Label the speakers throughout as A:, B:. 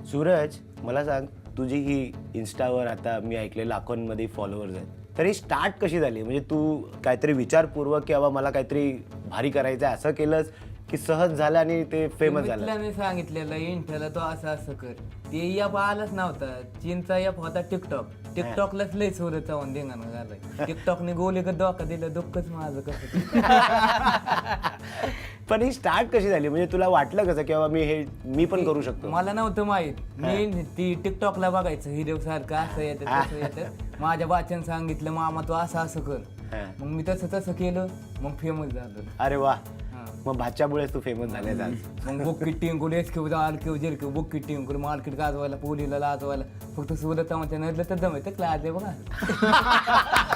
A: सूरज, मला सांग, तुझी ही इन्स्टावर आता मी ऐकले लाखोंमध्ये फॉलोअर्स आहेत, तर ही स्टार्ट कशी झाली? म्हणजे तू काहीतरी विचारपूर्वक की बाबा मला काहीतरी भारी करायचं आहे असं केलंस की सहज झालं आणि ते फेमस झालं?
B: मित्राने सांगितलेलं इंटरला तो असं असं कर, ते ॲप आलंच नव्हता. चीनचा ॲप होता टिकटॉक. टिकटॉकलाच लय सुरत जाऊन धिंगाणं झालंय. टिकटॉकने गोले का धोका दिलं, दुःखच माझं कसं.
A: पण ही स्टार्ट कशी झाली? म्हणजे तुला वाटलं कसं की बाबा मी पण करू शकतो?
B: मला नव्हतं माहित. मी ती टिकटॉकला बघायचं हिरो सारखं असं येतं तसं येतं. माझ्या बाच्यानं सांगितलं मामा तू असं असं कर. मग मी तसं केलं, मग फेमस झालं.
A: अरे वा, मग भाच्यामुळेच तू फेमस झाले.
B: मग बुक्की टिंकुल एसक्यू आलक्यू जेरक्यू बुक्की टिंकुल मार्केट गाजवायला, पोलीला लाजवायला, फक्त सुरत नदलं तर जमायचं लाज आहे बघा.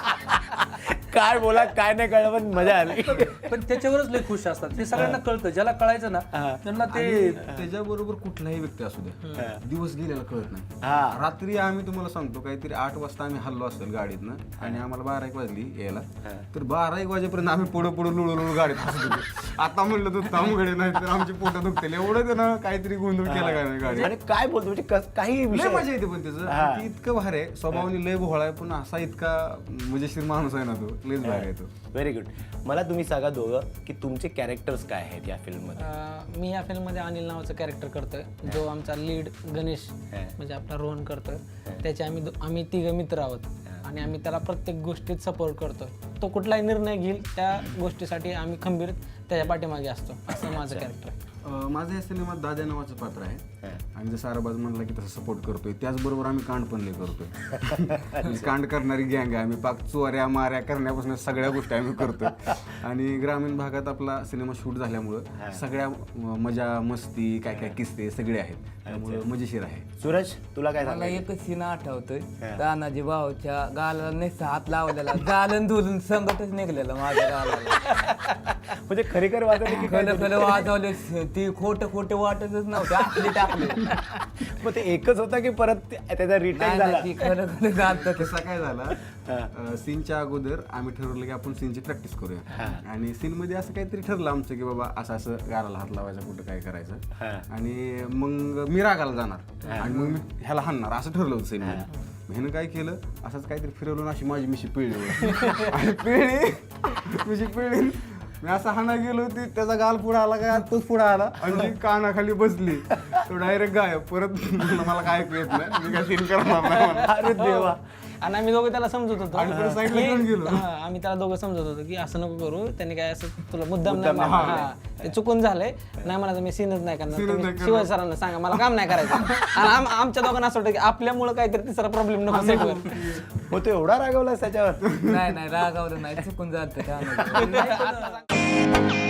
A: काय बोला काय नाही कळलं, पण मजा आली.
C: पण त्याच्यावरच लय खुश असतात. ते सगळ्यांना कळतं, ज्याला कळायचं ना त्यांना ते.
D: त्याच्याबरोबर कुठलाही व्यक्ती असू द्या, दिवस गेलेला कळत नाही.
A: हा.
D: रात्री आम्ही तुम्हाला सांगतो काहीतरी 8 वाजता आम्ही हल्लो असेल गाडीतनं आणि आम्हाला 12-1 वाजली यायला, तर 12-1 वाजेपर्यंत आम्ही पुढं लुळू गाडीत हसत होतो. आता म्हणलं तर तामगडे नाही तर आमची पोटं दुखतील एवढं त्यानं काहीतरी गोंधळ केला काय नाही गाडी.
A: आणि काय बोलतो म्हणजे काही
D: लय
A: विषय
D: मजा येते पण त्याचं ती इतकं भारी आहे, स्वभावाने लय भोळा आहे, पण असा इतका मजेशीर माणूस आहे ना तो, लयच भारी आहे तो.
A: Very good. मला तुम्ही सांगा दोघं की तुमचे कॅरेक्टर्स काय आहेत या फिल्ममध्ये?
E: मी या फिल्ममध्ये अनिल नावाचं कॅरेक्टर करतोय, जो आमचा लीड गणेश म्हणजे आपला रोहन करतोय. त्याचे आम्ही तिघं मित्र आहोत आणि आम्ही त्याला प्रत्येक गोष्टीत सपोर्ट करतोय. तो कुठलाही निर्णय घेईल त्या गोष्टीसाठी आम्ही खंबीर त्याच्या पाठीमागे असतो. असं माझं कॅरेक्टर आहे.
D: माझं या सिनेमात दादा नावाचं पात्र आहे आणि जसं आराबाज म्हणला की तसं सपोर्ट करतोय, त्याचबरोबर आम्ही कांड पण लय करतोय. कांड करणारी गँग आहे आम्ही. पाक चोऱ्या माऱ्या करण्यापासून सगळ्या गोष्टी आम्ही करतोय. आणि ग्रामीण भागात आपला सिनेमा शूट झाल्यामुळं सगळ्या मजा मस्ती काय काय किस्से सगळे आहेत, त्यामुळे मजेशीर आहे.
A: सूरज, तुला काय
B: मला
A: सांगायचं?
B: एकच सीन आठवतोय, तानाजी भाऊच्या गालाला नेसा हात लावलेला, गालन धुलून संगतच निघलेलं माझ्या गालाला.
A: म्हणजे खरेखर वाटत की
B: खलं वाजवले, ती खोटं वाटतच नव्हतं, आपली टाकले.
A: मग ते एकच होता की परत त्याचा रिटर्न झाला?
B: ती खरं जात.
D: कसा काय झाला, सीनच्या अगोदर आम्ही ठरवलं की आपण सीनची प्रॅक्टिस करूया. आणि सीन मध्ये असं काहीतरी ठरलं आमचं की बाबा असं गाराला हात लावायचा, कुठं काय करायचं. आणि मग मी रागाला जाणार आणि मग मी ह्याला हाणणार असं ठरलं होतं सीन मध्ये. ह्यानं काय केलं, असंच काहीतरी फिरवलं अशी माझी मिशी पिळली आणि मिशी पिळली. मी असं हाणा गेलो होती, त्याचा गाल पुढे आला काय तोच पुढे आला आणि कानाखाली बसली, तो डायरेक्ट गायब. परत मला काय ऐकू येत नाही, मी काय सीन करणार नाही.
A: अरे देवा.
E: आणि आम्ही दोघं त्याला समजत होतो
D: आणि परत साईडला घेऊन गेलो.
E: आम्ही त्याला दोघं समजत होतो की असं नको करू, त्यांनी काय असं तुला मुद्दाम नाही मारला. ते चुकून झालंय, नाही म्हणायचं मी सीनच नाही करणार, तुम्ही शिवाय सरांना सांगा मला काम नाही करायचं. आणि आमच्या दोघांना असं वाटतं की आपल्यामुळे काहीतरी तिसरा प्रॉब्लेम नको सेटवर.
A: हो, तो एवढा रागवला त्याच्यावर?
B: नाही रागावलं नाही, चुकून जात.